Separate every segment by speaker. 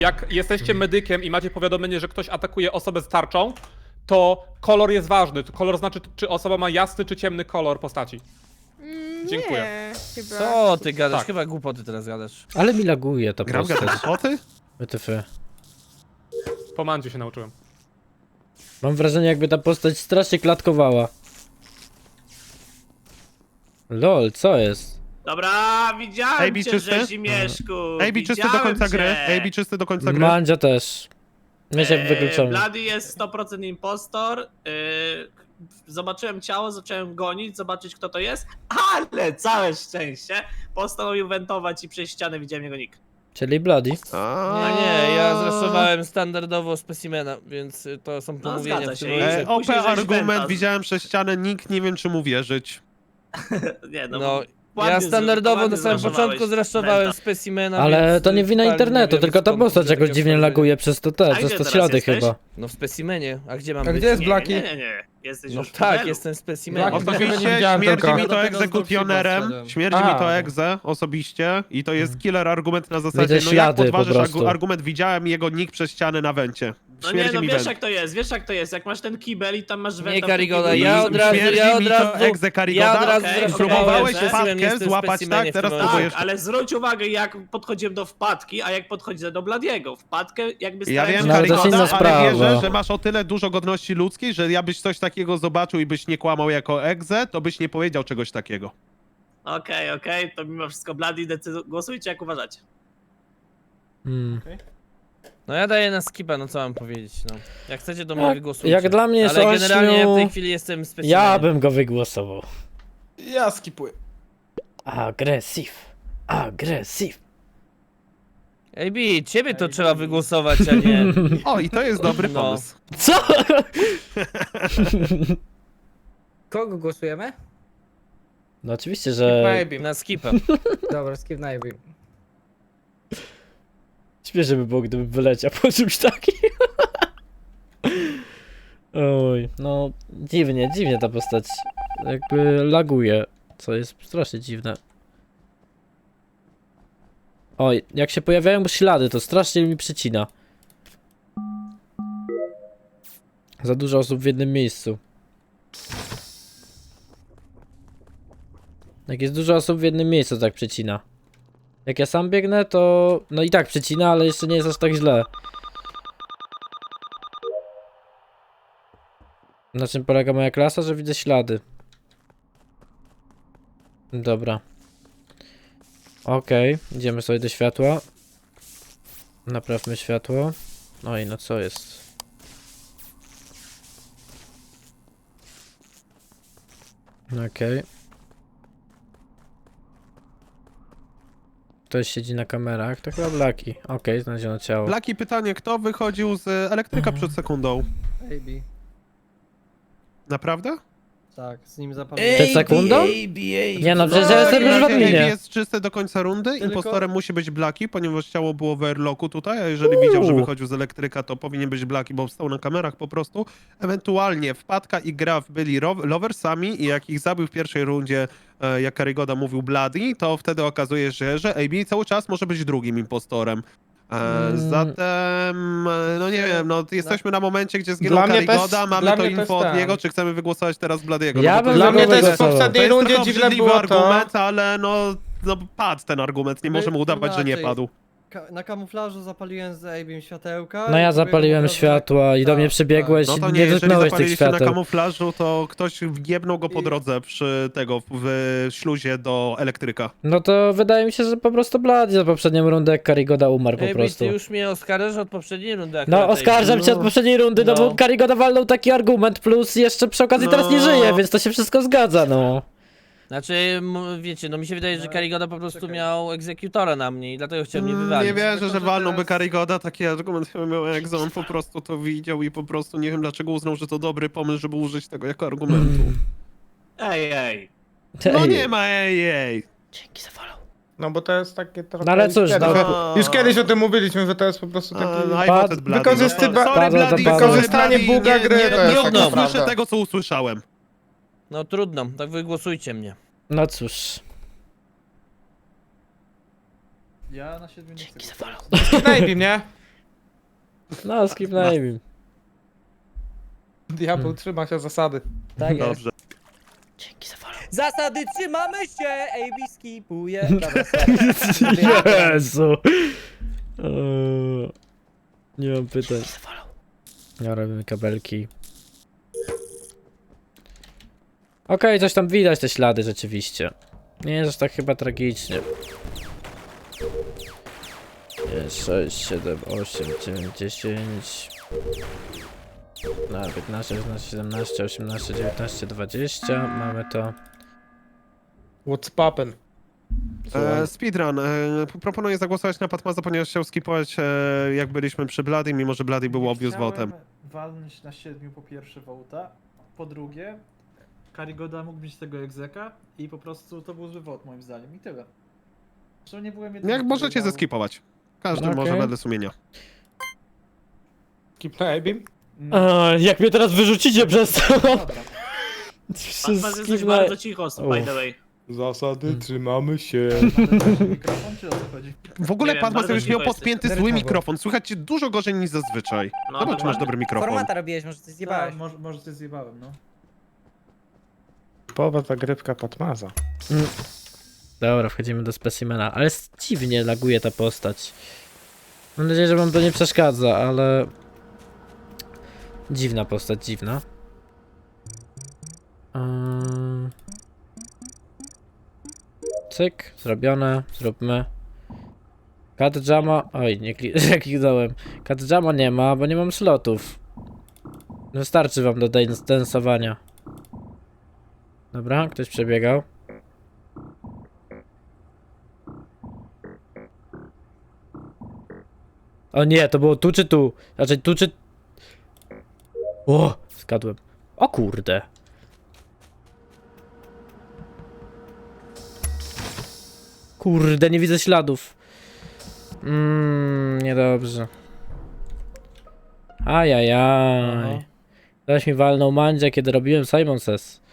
Speaker 1: Jak jesteście medykiem i macie powiadomienie, że ktoś atakuje osobę z tarczą, to kolor jest ważny. Kolor znaczy, czy osoba ma jasny czy ciemny kolor postaci. Dziękuję.
Speaker 2: Nie, chyba.
Speaker 3: Co ty gadasz?
Speaker 1: Tak.
Speaker 3: Chyba głupoty teraz gadasz.
Speaker 4: Ale mi laguje ta
Speaker 5: Gram
Speaker 4: postać.
Speaker 5: głupoty?
Speaker 4: WTF.
Speaker 1: Po mandziu się nauczyłem.
Speaker 4: Mam wrażenie, jakby ta postać strasznie klatkowała. Lol, co jest?
Speaker 6: Dobra, widziałem
Speaker 5: AB
Speaker 6: cię,
Speaker 5: czysty?
Speaker 6: Rzezimieszku.
Speaker 5: AB czysty do końca gry. AB czysty do końca gry.
Speaker 4: Mandzia też. Miesiek wykluczony.
Speaker 6: Bloody jest 100% impostor. Zobaczyłem ciało, zacząłem gonić, zobaczyć kto to jest, ale całe szczęście postanowił wentować i przez ścianę widziałem jego nick.
Speaker 4: Czyli Bloody.
Speaker 3: Nie, ja zraszowałem standardowo specimena, więc to są pomówienia
Speaker 6: zgadza
Speaker 3: w tym
Speaker 6: się.
Speaker 3: momencie.
Speaker 5: OP
Speaker 6: Później żeś
Speaker 5: argument,
Speaker 6: wenta.
Speaker 5: widziałem przez ścianę, nikt nie wiem czy mu wierzyć.
Speaker 6: Nie,
Speaker 3: No,
Speaker 6: ładnie
Speaker 3: ja standardowo na samym
Speaker 6: zraszowałeś
Speaker 3: początku zraszowałem
Speaker 6: wenta.
Speaker 3: specimena,
Speaker 4: Ale
Speaker 3: więc
Speaker 4: to nie wina
Speaker 3: totalnie
Speaker 4: internetu,
Speaker 3: wiem,
Speaker 4: tylko ta
Speaker 3: skąd
Speaker 4: postać jakoś
Speaker 3: takie
Speaker 4: dziwnie
Speaker 3: wrażenie.
Speaker 4: laguje przez to
Speaker 6: A
Speaker 4: te,
Speaker 6: gdzie
Speaker 4: przez to
Speaker 6: teraz
Speaker 4: ślady
Speaker 6: jesteś?
Speaker 4: chyba.
Speaker 3: No w specimenie, a gdzie mam
Speaker 7: A
Speaker 3: być?
Speaker 7: gdzie jest
Speaker 6: Nie,
Speaker 7: Blaki?
Speaker 6: nie. Jesteś
Speaker 3: No
Speaker 6: już w
Speaker 3: tak,
Speaker 6: tunelu.
Speaker 3: jestem specimenem.
Speaker 7: Blaki.
Speaker 5: Osobiście
Speaker 7: nie widziałem
Speaker 5: śmierdzi
Speaker 7: tylko.
Speaker 5: mi to
Speaker 7: Ja do tego
Speaker 5: egzekutionerem,
Speaker 7: zdolnego
Speaker 5: śmierdzi mi
Speaker 7: wszedłem.
Speaker 5: to
Speaker 7: A.
Speaker 5: egze osobiście i to jest killer argument na zasadzie,
Speaker 4: Widzę
Speaker 5: no jak
Speaker 4: ślady po
Speaker 5: podważysz
Speaker 4: prostu.
Speaker 5: argument, widziałem jego nick przez ścianę na wencie.
Speaker 6: No nie,
Speaker 5: Śmierdzi
Speaker 6: no
Speaker 5: mi
Speaker 6: wiesz
Speaker 5: went.
Speaker 6: jak to jest, jak masz ten kibel i tam masz wenta.
Speaker 3: Nie,
Speaker 6: w
Speaker 3: Karigoda,
Speaker 6: tym
Speaker 3: ja
Speaker 6: kiblu.
Speaker 3: od razu,
Speaker 5: Śmierdzi
Speaker 3: ja od
Speaker 5: mi to
Speaker 3: razu,
Speaker 5: egze Karigoda.
Speaker 3: ja od razu
Speaker 6: Okej,
Speaker 3: zraszowałem
Speaker 5: próbowałeś
Speaker 3: specimen,
Speaker 5: wpadkę
Speaker 3: jestem
Speaker 5: złapać,
Speaker 3: specimenie
Speaker 5: tak?
Speaker 3: w tym
Speaker 5: Teraz
Speaker 3: momencie.
Speaker 5: próbujesz-
Speaker 6: Tak, ale zwróć uwagę jak podchodziłem do wpadki, a jak podchodzę do Bladiego. Wpadkę jakby
Speaker 5: Ja
Speaker 6: starałem
Speaker 5: wiem,
Speaker 6: się-
Speaker 4: No, ale to jest
Speaker 5: Karigoda,
Speaker 4: inna
Speaker 5: ale
Speaker 4: sprawa.
Speaker 5: wierzę, że masz o tyle dużo godności ludzkiej, że ja byś coś takiego zobaczył i byś nie kłamał jako egze, to byś nie powiedział czegoś takiego.
Speaker 6: Okej, to mimo wszystko Bladi głosujcie jak uważacie.
Speaker 3: No ja daję na skipa, no co mam powiedzieć, no. Jak chcecie, to mnie
Speaker 4: Jak-
Speaker 3: wygłosujcie.
Speaker 4: jak dla mnie jest
Speaker 3: Ale generalnie
Speaker 4: ośmiu-
Speaker 3: w tej chwili jestem specimenem.
Speaker 4: Ja bym go wygłosował.
Speaker 7: Ja skipuję.
Speaker 4: Agresyw. Agresyw.
Speaker 3: AB, ciebie to trzeba wygłosować, a nie...
Speaker 5: O, i to jest dobry
Speaker 3: No.
Speaker 5: pomysł.
Speaker 4: Co?
Speaker 8: Kogo głosujemy?
Speaker 4: No oczywiście, że
Speaker 7: Maybe.
Speaker 3: Na skipa.
Speaker 8: Dobra, skip na AB.
Speaker 4: śmiesznie by było, gdyby wyleciał po czymś takim. Oj, no dziwnie ta postać jakby laguje, co jest strasznie dziwne. Oj, jak się pojawiają ślady, to strasznie mi przycina. Za dużo osób w jednym miejscu. Jak jest dużo osób w jednym miejscu, to tak przycina. Jak ja sam biegnę, to no i tak przycina, ale jeszcze nie jest aż tak źle. Na czym polega moja klasa? Że widzę ślady. Dobra. Okej, idziemy sobie do światła. Naprawmy światło. Oj, no co jest? Okej. Ktoś siedzi na kamerach, to chyba Blaki. Okej, znaleziono ciało.
Speaker 5: Blaki, pytanie, kto wychodził z elektryka przed sekundą?
Speaker 7: AB.
Speaker 5: Naprawdę?
Speaker 7: Tak, z nim zapamiętam.
Speaker 4: Przed sekundą? Nie no, przecież ja jestem już w
Speaker 5: AB
Speaker 4: adminie.
Speaker 5: jest czysty do końca rundy,
Speaker 7: Tylko-
Speaker 5: impostorem musi być Blaki, ponieważ ciało było w airlocku tutaj, a jeżeli widział, że wychodził z elektryka, to powinien być Blaki, bo stał na kamerach po prostu. Ewentualnie Wpadka i Graf byli loversami i jak ich zabił w pierwszej rundzie, jak Karigoda mówił Bloody, to wtedy okazuje się, że AB cały czas może być drugim impostorem. Zatem, no nie wiem, no jesteśmy na momencie, gdzie zginął
Speaker 7: Dla mnie
Speaker 5: Karigoda,
Speaker 7: też-
Speaker 5: mamy
Speaker 7: dla
Speaker 5: to
Speaker 7: mnie też
Speaker 5: info od
Speaker 7: tak.
Speaker 5: niego, czy chcemy wygłosować teraz Bladiego?
Speaker 4: Ja
Speaker 5: bo to
Speaker 4: bym
Speaker 5: jest-
Speaker 7: Dla mnie
Speaker 4: Dlaczego
Speaker 7: też w
Speaker 4: głosował?
Speaker 7: poprzedniej
Speaker 5: to jest
Speaker 7: rundzie
Speaker 5: trochę
Speaker 7: dziwne
Speaker 5: obrzydliwy
Speaker 7: było to.
Speaker 5: argument, ale no padł ten argument, nie możemy udawać, że nie
Speaker 9: inaczej.
Speaker 5: padł.
Speaker 9: Na kamuflażu zapaliłem z Abim światełka.
Speaker 4: No ja
Speaker 9: i
Speaker 4: zapaliłem
Speaker 9: pobiegłem
Speaker 4: światła i do
Speaker 9: Tak,
Speaker 4: mnie przybiegłeś
Speaker 5: No
Speaker 4: i
Speaker 5: to
Speaker 4: nie
Speaker 5: nie, jeżeli
Speaker 4: dotknąłeś tych
Speaker 5: zapaliliście na
Speaker 4: świateł.
Speaker 5: kamuflażu, to ktoś wjebnął go po
Speaker 9: I-
Speaker 5: drodze przy tego, w śluzie do elektryka.
Speaker 4: No to wydaje mi się, że po prostu Bloody za poprzednią rundę jak Karigoda umarł po
Speaker 3: AB,
Speaker 4: prostu.
Speaker 3: ty już mnie oskarżasz od poprzedniej rundy
Speaker 4: No
Speaker 3: akurat,
Speaker 4: oskarżam
Speaker 3: AB.
Speaker 4: cię od poprzedniej rundy, no
Speaker 3: No.
Speaker 4: bo Karigoda walnął taki argument, plus jeszcze przy okazji teraz nie
Speaker 5: No.
Speaker 4: żyje, więc to się wszystko zgadza, no.
Speaker 3: Znaczy, wiecie, no mi się wydaje, że Karigoda po prostu miał egzekutora na mnie i dlatego chciał mnie
Speaker 5: Nie
Speaker 3: wywalić.
Speaker 5: wierzę,
Speaker 9: Tylko,
Speaker 5: że
Speaker 9: że
Speaker 5: walnąłby
Speaker 9: teraz-
Speaker 5: Karigoda, taki argument chyba miał jak on po prostu to widział i po prostu nie wiem dlaczego uznał, że to dobry pomysł, żeby użyć tego jako argumentu.
Speaker 6: Ej.
Speaker 5: No
Speaker 4: Ej,
Speaker 5: nie ma ej.
Speaker 4: Dzięki za follow.
Speaker 7: No bo to jest takie trochę...
Speaker 4: No ale cóż,
Speaker 7: już kiedyś,
Speaker 5: no.
Speaker 7: już kiedyś o tym mówiliśmy, że to jest po prostu taki...
Speaker 5: I
Speaker 4: Pad-
Speaker 5: voted Bloody.
Speaker 7: wykorzystywa-
Speaker 5: No, sorry,
Speaker 4: Padło to
Speaker 5: Bloody,
Speaker 4: padło.
Speaker 5: sorry,
Speaker 7: Wykorzystanie
Speaker 5: Bloody,
Speaker 7: buga gry to jest
Speaker 5: nie
Speaker 3: taka
Speaker 5: usłyszę
Speaker 7: prawda.
Speaker 5: tego, co usłyszałem.
Speaker 3: No trudno, tak wygłosujcie mnie.
Speaker 4: No cóż.
Speaker 9: Ja na 7 nie chcę.
Speaker 7: Na AB, nie?
Speaker 4: No, skipnajmy.
Speaker 7: Diabeł trzyma się zasady.
Speaker 8: Tak jest.
Speaker 5: Dobrze.
Speaker 4: Dzięki za follow.
Speaker 8: Zasady trzymamy się, AB skipuje. Dobra, sorry.
Speaker 4: Jezu. Nie mam pytań. Ja robimy kabelki. Okej, coś tam widać, te ślady rzeczywiście. Nie jest aż tak chyba tragicznie. 6, 7, 8, 9, 10. No, 15, 16, 17, 18, 19, 20. Mamy to.
Speaker 7: What's poppin'?
Speaker 5: Speedrun. Proponuję zagłosować na Patmaza, ponieważ chciał skipować jak byliśmy przy Bloody, mimo że Bloody był obvious votem.
Speaker 2: Walnąć na 7 po pierwsze wołta, po drugie Karigoda mógł mieć tego egzeka i po prostu to był zły vote moim zdaniem i tyle. Zresztą nie byłem jedyny,
Speaker 5: Jak
Speaker 2: który
Speaker 5: możecie
Speaker 2: dał-
Speaker 5: zeskipować. Każdy
Speaker 4: Okej.
Speaker 5: może wedle sumienia.
Speaker 7: Skip na Abim?
Speaker 4: Jak mnie teraz wyrzucicie przez to?
Speaker 2: Dobra.
Speaker 6: Patmas jesteś bardzo cicho, by the way.
Speaker 7: Zasady trzymamy się.
Speaker 2: Mikrofon czy o co chodzi?
Speaker 5: W ogóle
Speaker 6: Nie wiem,
Speaker 5: Patmas
Speaker 6: bardzo
Speaker 5: już miał
Speaker 6: cicho
Speaker 5: podpięty
Speaker 8: jesteś.
Speaker 5: zły
Speaker 8: Derczowo.
Speaker 5: mikrofon. Słychać cię dużo gorzej niż zazwyczaj.
Speaker 6: No,
Speaker 5: Zobacz, czy masz
Speaker 6: dokładnie.
Speaker 5: dobry mikrofon.
Speaker 8: Formata robiłeś, może coś zjebałeś.
Speaker 2: Tak, może coś zjebałem, no.
Speaker 7: Połowa zagrywka Patmaza.
Speaker 4: Dobra, wchodzimy do specimena, ale dziwnie laguje ta postać. Mam nadzieję, że wam to nie przeszkadza, ale... Dziwna postać, dziwna. Cyk, zrobione, zróbmy. Cut Jama... Oj, nie kliknąłem. Cut Jama nie ma, bo nie mam slotów. Wystarczy wam do densowania. Dobra, ktoś przebiegał. O nie, to było tu czy tu? Znaczy tu czy... O, zgadłem. O kurde. Kurde, nie widzę śladów. Niedobrze. Ajajaj. Ktoś mi walnął mandzia, kiedy robiłem Simon Says.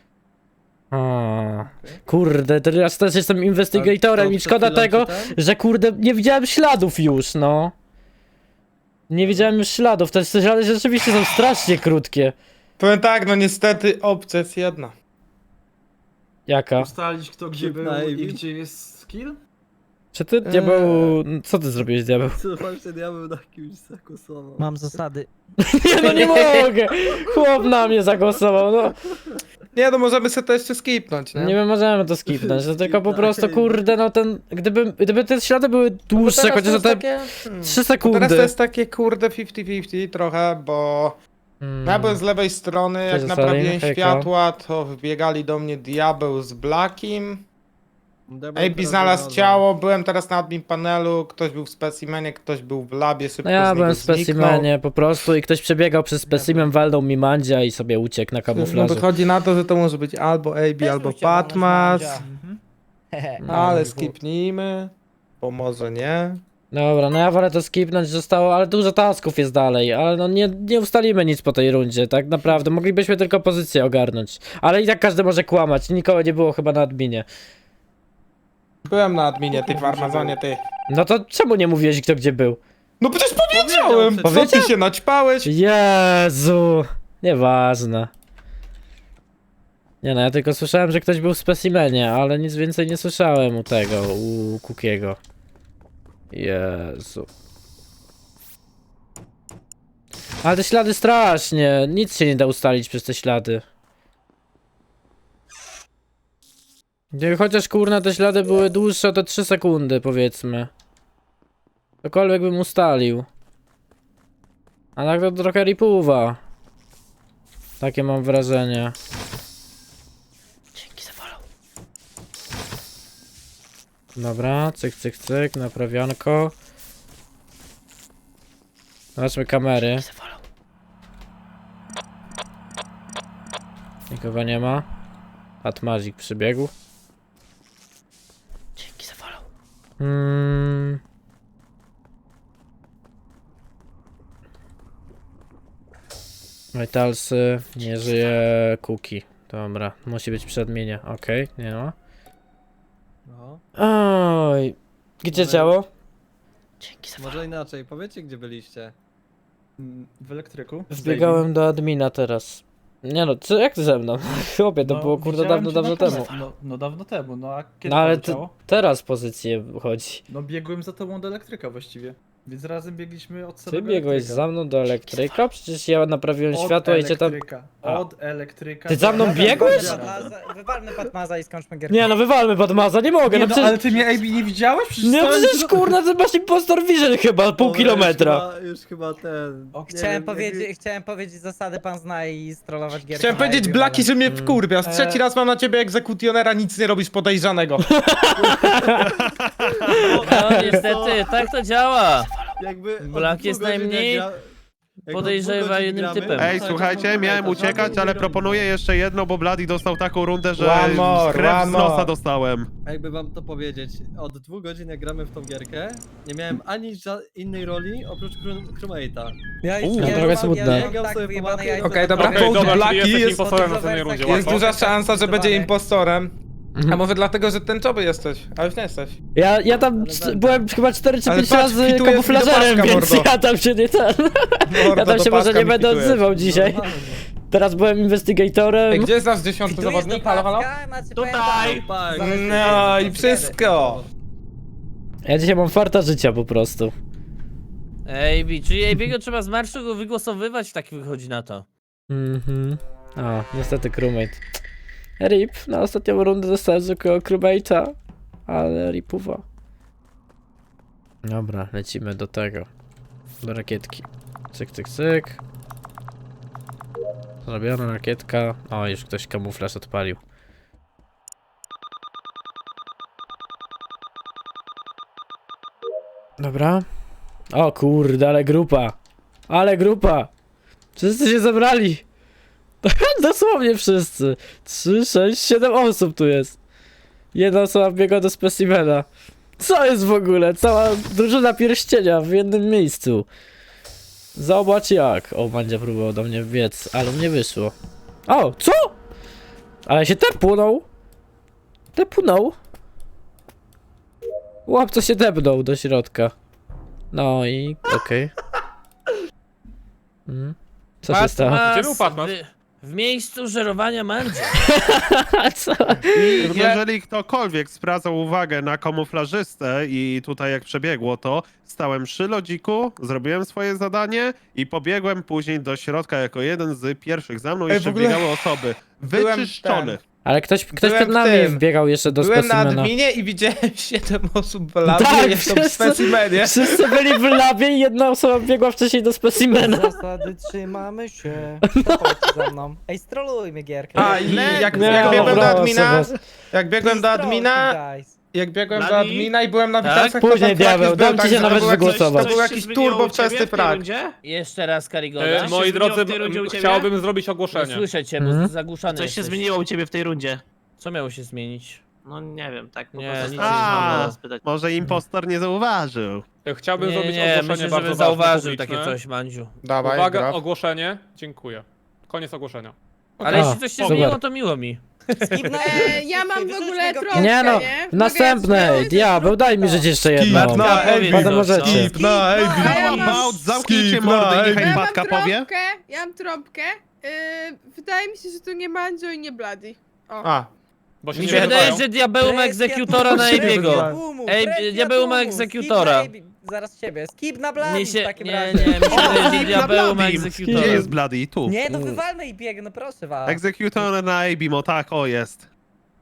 Speaker 4: Kurde, teraz też jestem investigatorem i szkoda tego, że kurde, nie widziałem śladów już, no. Nie widziałem już śladów, te ślady rzeczywiście są strasznie krótkie.
Speaker 7: Powiem tak, no niestety opcja jest jedna.
Speaker 4: Jaka?
Speaker 2: Ustalić kto gdzie
Speaker 9: Skip
Speaker 2: był
Speaker 9: na
Speaker 2: i
Speaker 9: AB.
Speaker 2: gdzie jest skill?
Speaker 4: Czy ty, diabeł, co ty zrobiłeś, diabeł?
Speaker 9: Co właśnie diabeł na kimś zagłosował?
Speaker 8: Mam zasady.
Speaker 4: Nie, no nie mogę! Chłop na mnie zagłosował, no.
Speaker 7: Nie, no możemy sobie to jeszcze skipnąć, nie?
Speaker 4: Nie wiem, możemy to skipnąć, no tylko po prostu, kurde, no ten, gdyby te ślady były
Speaker 7: Bo
Speaker 4: dłuższe,
Speaker 7: teraz
Speaker 4: chociaż
Speaker 7: to
Speaker 4: na
Speaker 7: jest
Speaker 4: te
Speaker 7: takie,
Speaker 4: 3
Speaker 7: Teraz to
Speaker 4: sekundy.
Speaker 7: jest takie kurde 50-50 trochę, bo ja byłem z lewej strony, jak
Speaker 4: Cześć,
Speaker 7: naprawiłem
Speaker 4: Salim, hejka.
Speaker 7: światła, to wbiegali do mnie diabeł z Blackim. AB znalazł ciało, byłem teraz na admin panelu, ktoś był w specimenie, ktoś był w labie, szybko
Speaker 4: No ja
Speaker 7: z niego
Speaker 4: byłem w
Speaker 7: zniknął.
Speaker 4: specimenie po prostu i ktoś przebiegał przez specimen, walnął mi mandzia i sobie uciekł na
Speaker 7: No
Speaker 4: kamuflażu.
Speaker 7: wychodzi na to, że to może być albo AB, albo Patmas, ale skipnijmy, bo może nie.
Speaker 4: Dobra, no ja wolę to skipnąć, zostało, ale dużo tasków jest dalej, ale no nie ustalimy nic po tej rundzie, tak naprawdę, moglibyśmy tylko pozycję ogarnąć. Ale i tak każdy może kłamać, nikogo nie było chyba na adminie.
Speaker 7: Byłem na adminie, ty w Armazonie, ty.
Speaker 4: No to czemu nie mówiłeś kto gdzie był?
Speaker 7: No przecież powiedziałem! Co
Speaker 4: Powiedział?
Speaker 7: ty się naćpałeś?
Speaker 4: Jezu, nieważne. Nie no, ja tylko słyszałem, że ktoś był w specimenie, ale nic więcej nie słyszałem u tego, u Kukiego. Jezu. Ale te ślady strasznie, nic się nie da ustalić przez te ślady. Chociaż kurna te ślady były dłuższe o te 3 sekundy powiedzmy. Cokolwiek bym ustalił. A tak to trochę ripuwa. Takie mam wrażenie. Dzięki za follow. Dobra, cyk, cyk, cyk, naprawianko. Zobaczmy kamery. Nikogo nie ma. Atmazik przybiegł. Dzięki za follow. Vitalsy, nie żyje Kuki. Dobra, musi być przy adminie. Okej, nie ma.
Speaker 9: No,
Speaker 4: Oj, gdzie
Speaker 9: Może-
Speaker 4: ciało? Dzięki za
Speaker 9: może inaczej, powiedzcie gdzie byliście.
Speaker 2: W elektryku.
Speaker 4: Wbiegałem do admina teraz. Nie no, co, jak ty ze mną? Chłopie, to było kurde
Speaker 2: widziałem
Speaker 4: dawno,
Speaker 2: cię
Speaker 4: dawno
Speaker 2: na
Speaker 4: temu.
Speaker 2: kamerze. No dawno temu, no a kiedy
Speaker 4: No ale
Speaker 2: poleciało?
Speaker 4: teraz pozycję chodzi.
Speaker 2: No biegłem za tobą do elektryka właściwie. Więc razem biegliśmy od
Speaker 4: Ty
Speaker 2: samego
Speaker 4: biegłeś
Speaker 2: elektryka.
Speaker 4: za mną do elektryka? Przecież ja naprawiłem
Speaker 2: Od
Speaker 4: światło i cię tam...
Speaker 2: elektryka.
Speaker 4: A.
Speaker 2: Od elektryka.
Speaker 4: Ty za
Speaker 2: do
Speaker 4: mną
Speaker 2: elektryka.
Speaker 4: biegłeś?
Speaker 8: Wywalmy Patmaza i skończmy gierkę.
Speaker 4: Nie no, wywalmy Badmaza, nie mogę,
Speaker 2: Nie,
Speaker 4: no
Speaker 2: no,
Speaker 4: przecież...
Speaker 2: ale ty mnie AB nie widziałeś? Przecież
Speaker 4: Nie,
Speaker 2: stałem
Speaker 4: przecież
Speaker 2: tu-
Speaker 4: kurna, ty masz impostor vision chyba, pół
Speaker 9: Dobra,
Speaker 4: kilometra.
Speaker 9: Już chyba ten...
Speaker 8: O,
Speaker 9: nie
Speaker 8: chciałem,
Speaker 9: wiem,
Speaker 8: powiedzieć, chciałem powiedzieć zasady, pan zna i strollować gierkę.
Speaker 7: Chciałem
Speaker 8: na
Speaker 7: powiedzieć,
Speaker 8: AB,
Speaker 7: Blaki,
Speaker 8: ale-
Speaker 7: że mnie wkurwiasz. Trzeci raz mam na ciebie egzekutionera, nic nie robisz podejrzanego.
Speaker 3: No niestety, tak to działa.
Speaker 9: Jakby od
Speaker 3: Blak
Speaker 9: 2
Speaker 3: jest
Speaker 9: godzin
Speaker 3: najmniej
Speaker 9: jak jak od 2
Speaker 3: podejrzewanym
Speaker 9: godzin gramy,
Speaker 3: typem.
Speaker 5: Ej,
Speaker 9: to
Speaker 5: słuchajcie,
Speaker 9: tak,
Speaker 5: miałem
Speaker 9: tak,
Speaker 5: uciekać,
Speaker 9: tak,
Speaker 5: ale
Speaker 9: tak,
Speaker 5: proponuję jeszcze jedno, bo Bloody dostał taką rundę, że
Speaker 7: One more,
Speaker 5: krew
Speaker 7: one
Speaker 5: z nosa
Speaker 7: more.
Speaker 5: dostałem.
Speaker 9: Jakby wam to powiedzieć, od 2 godzin jak gramy w tą gierkę, nie miałem ani innej roli oprócz crewmate'a.
Speaker 8: Ja już
Speaker 5: No,
Speaker 4: trochę smutne.
Speaker 9: Biegał
Speaker 8: tak
Speaker 9: sobie po
Speaker 8: wyjebane
Speaker 9: mapie.
Speaker 8: jajco.
Speaker 7: Okej, dobra,
Speaker 1: Okej,
Speaker 7: Cold
Speaker 1: dobra, czyli
Speaker 7: Blackie
Speaker 1: jesteś
Speaker 7: jest...
Speaker 1: impostorem na następnej rundzie.
Speaker 7: Jest
Speaker 1: łatwo.
Speaker 7: duża szansa, że będzie
Speaker 8: Zdecydowanie.
Speaker 7: impostorem.
Speaker 4: Mhm.
Speaker 7: A może dlatego, że tęczowy jesteś, a już nie jesteś.
Speaker 4: Ja tam
Speaker 9: Ale będę.
Speaker 4: byłem chyba 4 czy
Speaker 7: Ale
Speaker 4: 5
Speaker 7: patrz,
Speaker 4: razy
Speaker 7: kwitujesz
Speaker 4: kamuflażerem,
Speaker 7: mi do
Speaker 4: więc
Speaker 7: paska,
Speaker 4: ja tam się nie ten... Ja
Speaker 7: Mordo,
Speaker 4: tam
Speaker 7: do
Speaker 4: się może
Speaker 7: paska
Speaker 4: nie
Speaker 7: mi
Speaker 4: będę
Speaker 7: kwitujesz.
Speaker 4: odzywał dzisiaj.
Speaker 9: Normalnie.
Speaker 4: Teraz byłem investigatorem.
Speaker 7: Ej, gdzie jest nasz 10
Speaker 8: Tu jest
Speaker 7: zawodnik? Halo, halo?
Speaker 8: dodatka, macie
Speaker 6: Tutaj.
Speaker 8: pamiętać.
Speaker 9: Tak.
Speaker 7: No i wszystko.
Speaker 4: Ja dzisiaj mam farta życia po prostu.
Speaker 3: AB, czyli AB'ego trzeba z marszu go wygłosowywać, tak wychodzi na to.
Speaker 4: Mhm. O, niestety crewmate. RIP, na ostatnią rundę dostałem zwykłego crewmate'a, ale ripuwa. Dobra, lecimy do tego. Do rakietki. Cyk, cyk, cyk. Zrobiona rakietka. O, już ktoś kamuflaż odpalił. Dobra. O kurde, ale grupa. Ale grupa. Wszyscy się zebrali. Dosłownie wszyscy. 3, 6, 7 osób tu jest. Jedna osoba biega do specimena. Co jest w ogóle? Cała drużyna pierścienia w jednym miejscu. Zobacz jak. O, Mandzia próbował do mnie wbiec, ale mnie wyszło. O, co? Ale się tepnął. Tepnął. Łapco się tepnął do środka. No i okej. Co się stało?
Speaker 1: Gdzie był Patmas?
Speaker 3: W miejscu żerowania Mandzia.
Speaker 4: Co?
Speaker 5: I jeżeli ktokolwiek zwracał uwagę na kamuflażystę i tutaj jak przebiegło to, stałem przy lodziku, zrobiłem swoje zadanie i pobiegłem później do środka jako jeden z pierwszych. Za mną
Speaker 7: Ej, w
Speaker 5: jeszcze
Speaker 7: ogóle
Speaker 5: biegały osoby.
Speaker 7: byłem
Speaker 5: Wyczyszczony.
Speaker 4: Ale ktoś
Speaker 7: Byłem
Speaker 4: przed
Speaker 7: w
Speaker 4: nami
Speaker 7: tym.
Speaker 4: wbiegał jeszcze do
Speaker 7: Byłem na
Speaker 4: specimena.
Speaker 7: adminie i widziałem 7 osób w labie,
Speaker 4: Tak,
Speaker 7: jeszcze w
Speaker 4: wszyscy-
Speaker 7: specimenie.
Speaker 4: Wszyscy byli w labie i jedna osoba biegła wcześniej do specimena.
Speaker 8: Zasady trzymamy się. To chodźcie za mną. Ej, strolujmy gierkę.
Speaker 7: A i jak
Speaker 4: Nie,
Speaker 7: biegłem do
Speaker 4: proszę
Speaker 7: admina,
Speaker 4: was.
Speaker 7: jak biegłem do admina,
Speaker 8: Guys.
Speaker 7: jak biegłem do
Speaker 6: Bladi?
Speaker 7: admina i byłem na
Speaker 3: Tak?
Speaker 7: witalcach, to
Speaker 4: Później
Speaker 7: tam flag
Speaker 4: diabeł,
Speaker 7: już był,
Speaker 4: dam ci
Speaker 7: tak,
Speaker 4: się
Speaker 7: że
Speaker 4: nawet
Speaker 7: to był jakiś-
Speaker 4: wygłosować.
Speaker 7: To był
Speaker 6: Coś
Speaker 7: jakiś
Speaker 6: się zmieniło
Speaker 7: turbo
Speaker 6: u ciebie
Speaker 7: wczesny
Speaker 6: w tej
Speaker 7: frag.
Speaker 6: rundzie?
Speaker 3: Jeszcze raz Karigoda.
Speaker 6: Coś się
Speaker 1: Moi
Speaker 6: zmieniło
Speaker 1: drodzy,
Speaker 6: w tej rundzie u ciebie?
Speaker 1: chciałbym zrobić
Speaker 3: Nie
Speaker 1: ogłoszenie.
Speaker 3: słyszę cię, bo
Speaker 4: Mhm.
Speaker 3: zagłuszany
Speaker 6: Coś się
Speaker 3: jesteś.
Speaker 6: zmieniło u ciebie w tej rundzie?
Speaker 3: Co miało się zmienić?
Speaker 6: No nie wiem, tak po
Speaker 3: Nie,
Speaker 6: prostu
Speaker 3: nic
Speaker 6: chciałem
Speaker 5: się nie
Speaker 6: was
Speaker 5: zmieniło.
Speaker 6: spytać.
Speaker 5: Może impostor nie zauważył.
Speaker 1: Chciałbym
Speaker 3: Nie,
Speaker 1: zrobić
Speaker 3: nie,
Speaker 1: ogłoszenie
Speaker 3: myślę,
Speaker 1: bardzo
Speaker 3: żeby
Speaker 1: ważne,
Speaker 3: zauważył
Speaker 1: publiczne.
Speaker 3: takie coś, Mandziu.
Speaker 7: Dawaj,
Speaker 1: Uwaga,
Speaker 7: graf.
Speaker 1: ogłoszenie. Dziękuję. Koniec ogłoszenia.
Speaker 3: Ale
Speaker 4: A,
Speaker 3: jeśli coś się
Speaker 4: super.
Speaker 3: zmieniło, to miło mi.
Speaker 10: Ja mam w
Speaker 8: Wyrzućmy
Speaker 10: ogóle
Speaker 8: go
Speaker 10: trąbkę,
Speaker 4: Nie no,
Speaker 10: nie?
Speaker 4: w następnej, diabeł, daj mi żyć jeszcze jedno.
Speaker 7: Skip na
Speaker 3: Powiedz,
Speaker 7: AB.
Speaker 4: Potem możecie.
Speaker 7: Skip na AB.
Speaker 10: A ja mam-
Speaker 5: About, zamknijcie
Speaker 7: Skip
Speaker 5: mordy
Speaker 7: na
Speaker 5: i niechaj
Speaker 10: Ja mam
Speaker 5: Patka powie.
Speaker 10: trąbkę, ja mam trąbkę. Wydaje mi się, że to nie Mandzio i nie Bloody. O.
Speaker 7: A,
Speaker 1: Bo się
Speaker 3: Mi
Speaker 1: nie
Speaker 3: się wydaje,
Speaker 1: wydają.
Speaker 3: że diabeł ma egzekutora na AB'ego. Ej, diabeł ma egzekutora.
Speaker 8: Zaraz ciebie. Skip na Blady
Speaker 3: Mi
Speaker 8: w
Speaker 3: się,
Speaker 8: takim
Speaker 3: nie,
Speaker 8: razie.
Speaker 3: nie, mi się wydaje, że
Speaker 5: Skip na
Speaker 3: diabeł ma
Speaker 5: Bloody.
Speaker 3: egzekutora.
Speaker 5: Gdzie jest Bloody? Tu.
Speaker 8: Nie, no wywalmy i bieg, no proszę was.
Speaker 5: Executor na Abimo, tak, o jest.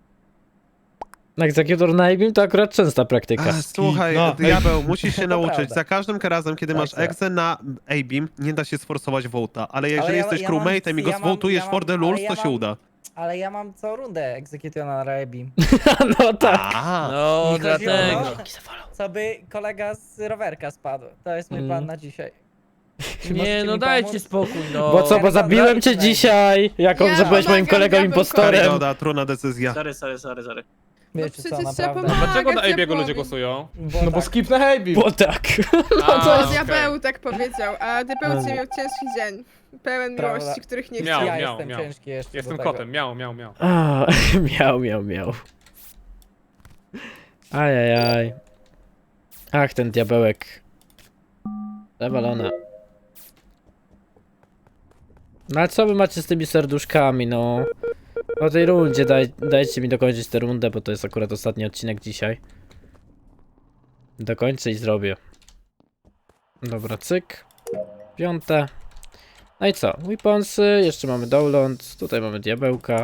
Speaker 4: Egzekutor na Ibim to akurat częsta praktyka.
Speaker 5: A, słuchaj,
Speaker 7: no.
Speaker 5: diabeł, musisz się
Speaker 8: To
Speaker 5: nauczyć.
Speaker 8: prawda.
Speaker 5: Za każdym razem, kiedy masz
Speaker 8: Tak.
Speaker 5: egzę na Abim, nie da się sforsować vote'a. Ale jeżeli
Speaker 8: Ale ja-
Speaker 5: jesteś
Speaker 8: ja mam-
Speaker 5: crewmate'em i go
Speaker 8: ja mam-
Speaker 5: zwotujesz
Speaker 8: ja
Speaker 5: for the
Speaker 8: mam-
Speaker 5: lulz,
Speaker 8: ale
Speaker 5: to
Speaker 8: ja
Speaker 5: się
Speaker 8: mam-
Speaker 5: uda.
Speaker 8: Ale ja mam co rundę egzekutora na Rebim.
Speaker 4: No tak.
Speaker 5: A,
Speaker 3: No,
Speaker 8: Mi chodziło,
Speaker 3: dlatego.
Speaker 8: no, co by kolega z rowerka spadł. To jest mój plan na dzisiaj. Czy
Speaker 3: Nie,
Speaker 8: możecie
Speaker 3: no
Speaker 8: mi
Speaker 3: dajcie
Speaker 8: pomóc?
Speaker 3: spokój, no.
Speaker 4: Bo co, bo
Speaker 8: Ja
Speaker 4: zabiłem cię
Speaker 8: rozmawiam.
Speaker 4: dzisiaj, jako
Speaker 10: Ja
Speaker 4: że byłeś moim
Speaker 10: pomagam
Speaker 4: kolegą
Speaker 10: diabełkowi.
Speaker 4: impostorem.
Speaker 5: Karygoda, trudna decyzja.
Speaker 6: Sorry.
Speaker 10: No
Speaker 8: Wiecie co,
Speaker 10: przecież trzeba
Speaker 8: naprawdę.
Speaker 10: pomagać.
Speaker 1: Dlaczego na AB'ego
Speaker 10: diabłowi.
Speaker 1: ludzie głosują?
Speaker 7: no bo
Speaker 8: tak.
Speaker 7: skip na AB.
Speaker 4: Bo tak.
Speaker 10: To
Speaker 1: okej.
Speaker 10: diabeł tak powiedział, a diabeł dzisiaj miał ciężki dzień. Pełen
Speaker 8: Prawda.
Speaker 10: miłości, których nie
Speaker 1: Miał,
Speaker 10: chciał.
Speaker 8: Ja jestem
Speaker 1: miał.
Speaker 8: ciężki jeszcze
Speaker 1: Jestem
Speaker 8: do tego.
Speaker 1: kotem, miał.
Speaker 4: A, miał. Ajajaj. Ach, ten diabełek. Zawalona. No ale co wy macie z tymi serduszkami, no? Po tej rundzie dajcie mi dokończyć tę rundę, bo to jest akurat ostatni odcinek dzisiaj. Dokończę i zrobię. Dobra, cyk. 5. No i co? Weaponsy, jeszcze mamy download, tutaj mamy diabełka.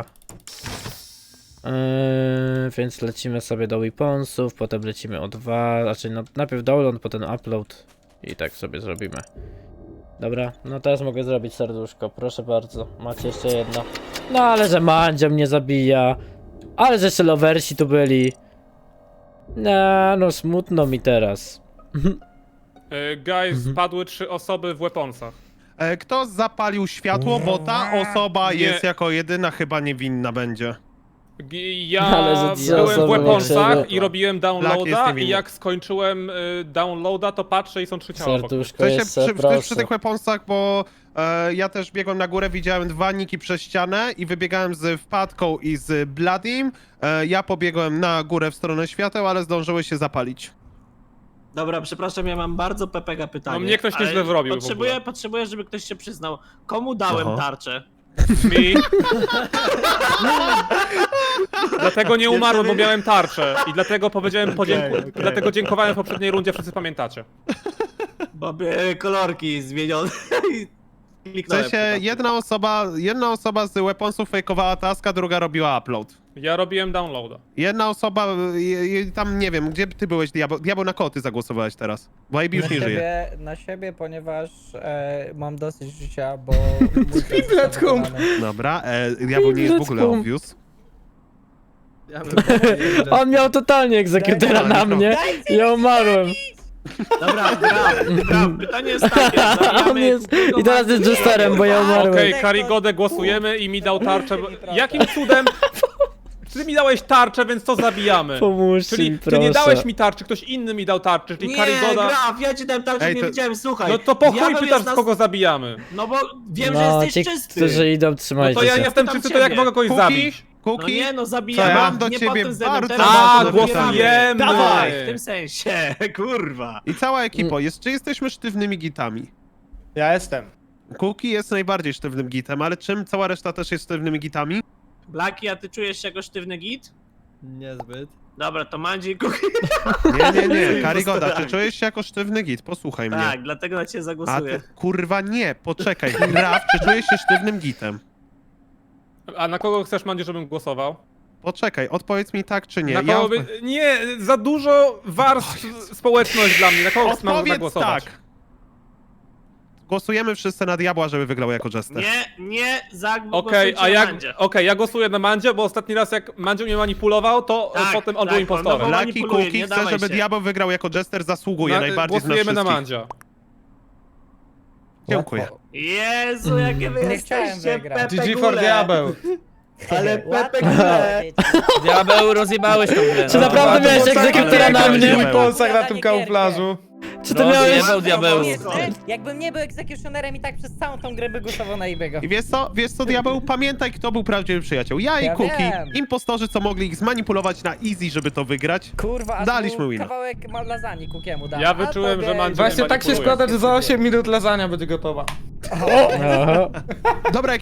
Speaker 4: Więc lecimy sobie do weaponsów, potem lecimy o 2, znaczy no, najpierw download, potem upload i tak sobie zrobimy. Dobra, no teraz mogę zrobić serduszko, proszę bardzo, macie jeszcze jedno. No ale że Mandzio mnie zabija, ale że jeszcze lowersi tu byli. No smutno mi teraz.
Speaker 1: Guys, padły 3 osoby w weaponsach.
Speaker 5: Kto zapalił światło, bo ta osoba
Speaker 1: Nie.
Speaker 5: jest jako jedyna chyba niewinna będzie.
Speaker 1: Ja
Speaker 4: Ale że trzy
Speaker 1: byłem
Speaker 4: osoby
Speaker 1: w weaponsach
Speaker 4: obok
Speaker 1: i robiłem
Speaker 5: Black jest
Speaker 1: downloada
Speaker 5: niewinny.
Speaker 1: i jak skończyłem downloada, to patrzę i są 3 ciała wokół.
Speaker 4: Serduszko
Speaker 5: W sensie
Speaker 4: jeszcze,
Speaker 5: przy
Speaker 4: proszę.
Speaker 5: tych weaponsach, bo ja też biegłem na górę, widziałem 2 niki przez ścianę i wybiegałem z wpadką i z Bloodim. Ja pobiegłem na górę w stronę świateł, ale zdążyły się zapalić.
Speaker 6: Dobra, przepraszam, ja mam bardzo pepega pytanie.
Speaker 1: No mnie ktoś
Speaker 6: ale
Speaker 1: nieźle zrobił w ogóle.
Speaker 6: Potrzebuję, żeby ktoś się przyznał. Komu dałem
Speaker 5: Aha.
Speaker 6: tarczę?
Speaker 1: Mi. Dlatego nie umarłem, bo miałem tarczę. I dlatego powiedziałem dlatego dziękowałem w poprzedniej rundzie, wszyscy pamiętacie.
Speaker 6: Bo kolorki zmienione i
Speaker 5: W
Speaker 6: kliknąłem.
Speaker 5: sensie
Speaker 6: przypadkiem.
Speaker 5: jedna osoba z weaponsów fejkowała taska, druga robiła upload.
Speaker 1: Ja robiłem downloada.
Speaker 5: Jedna osoba, tam nie wiem, gdzie ty byłeś, Diabeł? Diabeł, na kogo ty zagłosowałeś teraz? Bo AB już nie żyje.
Speaker 8: Na siebie, ponieważ mam dosyć życia, bo...
Speaker 7: Triplet hum.
Speaker 5: Dobra, Diabeł nie jest w ogóle
Speaker 4: Let's
Speaker 5: obvious.
Speaker 9: Ja bym
Speaker 4: On miał totalnie egzekutera na mnie i ja umarłem.
Speaker 6: Dobra, gra. Pytanie jest takie.
Speaker 4: On
Speaker 6: zabijamy
Speaker 4: jest...
Speaker 6: Kukiego
Speaker 4: I teraz jest
Speaker 6: Mandzio.
Speaker 4: Jesterem, bo ja umarłem.
Speaker 1: Okej, Karigodę głosujemy i mi dał tarczę. Jakim cudem? Ty mi dałeś tarczę, więc to zabijamy.
Speaker 4: Pomóżcie
Speaker 1: Czyli
Speaker 4: mi,
Speaker 1: ty
Speaker 4: proszę.
Speaker 1: nie dałeś mi tarczy, ktoś inny mi dał tarczę, czyli
Speaker 6: Nie,
Speaker 1: Karigoda.
Speaker 6: Graf, ja ci dałem tarczę,
Speaker 5: Ej,
Speaker 6: nie
Speaker 5: to-
Speaker 6: widziałem, słuchaj.
Speaker 1: No to po chuj
Speaker 6: diabeł
Speaker 1: pytasz,
Speaker 6: jest nas-
Speaker 1: kogo zabijamy.
Speaker 6: No bo wiem,
Speaker 4: No,
Speaker 6: że
Speaker 4: ci,
Speaker 6: jesteś czysty.
Speaker 4: którzy idą,
Speaker 1: No
Speaker 4: trzymajcie
Speaker 1: to ja
Speaker 4: się.
Speaker 1: jestem
Speaker 6: Pytam
Speaker 1: czysty, to jak
Speaker 6: ciebie.
Speaker 1: mogę kogoś zabić?
Speaker 6: No
Speaker 5: Kuki?
Speaker 6: nie, no
Speaker 5: Co
Speaker 6: zabijamy.
Speaker 5: ja mam do
Speaker 6: nie
Speaker 5: ciebie
Speaker 6: pod tym względem,
Speaker 5: bardzo,
Speaker 6: teraz
Speaker 1: A,
Speaker 5: bardzo
Speaker 1: głosujemy!
Speaker 6: Dawaj, w tym sensie, kurwa.
Speaker 5: I cała ekipa, czy jesteśmy sztywnymi gitami?
Speaker 7: Ja jestem.
Speaker 5: Kuki jest najbardziej sztywnym gitem, ale czym cała reszta też jest sztywnymi gitami?
Speaker 6: Blaki, a ty czujesz się jako sztywny git?
Speaker 9: Niezbyt.
Speaker 6: Dobra, to Mandzi i Kuki.
Speaker 5: Nie, Karigoda, czy czujesz się jako sztywny git? Posłuchaj mnie.
Speaker 6: Tak, dlatego na ciebie
Speaker 5: A
Speaker 6: zagłosuję.
Speaker 5: ty, kurwa nie, poczekaj, Graf, czy czujesz się sztywnym gitem?
Speaker 1: A na kogo chcesz, Mandzie, żebym głosował?
Speaker 5: Poczekaj, odpowiedz mi tak czy nie.
Speaker 1: Na kogo Nie, za dużo warstw społeczność dla mnie. Na kogo mam
Speaker 5: Odpowiedz
Speaker 1: zagłosować?
Speaker 5: tak. Głosujemy wszyscy na Diabła, żeby wygrał jako Jester.
Speaker 6: Nie,
Speaker 1: Okej,
Speaker 6: zagłosujcie
Speaker 1: a
Speaker 6: na Mandzie.
Speaker 1: ja głosuję na Mandzie, bo ostatni raz jak Mandzie mnie manipulował, to
Speaker 6: Tak,
Speaker 1: potem on
Speaker 6: tak,
Speaker 1: był impostorem.
Speaker 6: on
Speaker 5: Laki
Speaker 6: manipuluje,
Speaker 5: Kuki
Speaker 6: nie
Speaker 5: chce,
Speaker 6: dawaj
Speaker 5: żeby
Speaker 6: się.
Speaker 5: Diabeł wygrał jako Jester, zasługuje najbardziej z nas
Speaker 1: Głosujemy na
Speaker 5: wszystkich.
Speaker 1: Mandzia.
Speaker 5: Dziękuję.
Speaker 6: Jezu, jakie wy
Speaker 8: Nie chciałem
Speaker 6: jesteście,
Speaker 8: wygrać.
Speaker 6: Pepe
Speaker 7: GG for
Speaker 6: Gule.
Speaker 7: diabeł.
Speaker 6: Ale Pepe
Speaker 8: Łatwo
Speaker 6: Gule.
Speaker 8: powiedzieć.
Speaker 3: Diabeł, rozjebałeś tą grę.
Speaker 4: Czy
Speaker 3: no.
Speaker 4: naprawdę miałeś egzekutora na mnie?
Speaker 7: Mój ponsach na tym kamuflażu.
Speaker 4: Czy ty miałeś...
Speaker 3: Rozjebał diabeł.
Speaker 8: Jakbym nie był egzekutionerem i tak przez całą tą grę by głosował na Ibego.
Speaker 5: I wiesz co, Diabeł, pamiętaj, kto był prawdziwy przyjaciel. Ja i
Speaker 8: Ja
Speaker 5: Kuki,
Speaker 8: wiem.
Speaker 5: impostorzy, co mogli ich zmanipulować na easy, żeby to wygrać.
Speaker 8: Kurwa, a
Speaker 5: Daliśmy
Speaker 8: tu
Speaker 5: wina.
Speaker 8: kawałek lasagne Kukiemu dałem.
Speaker 1: Ja
Speaker 8: A
Speaker 1: wyczułem,
Speaker 8: tobie-
Speaker 1: że Mandzio
Speaker 7: Właśnie tak się
Speaker 1: manipuluje.
Speaker 7: składa, że za 8 minut lasagna będzie gotowa.
Speaker 4: Aha.
Speaker 5: Dobra,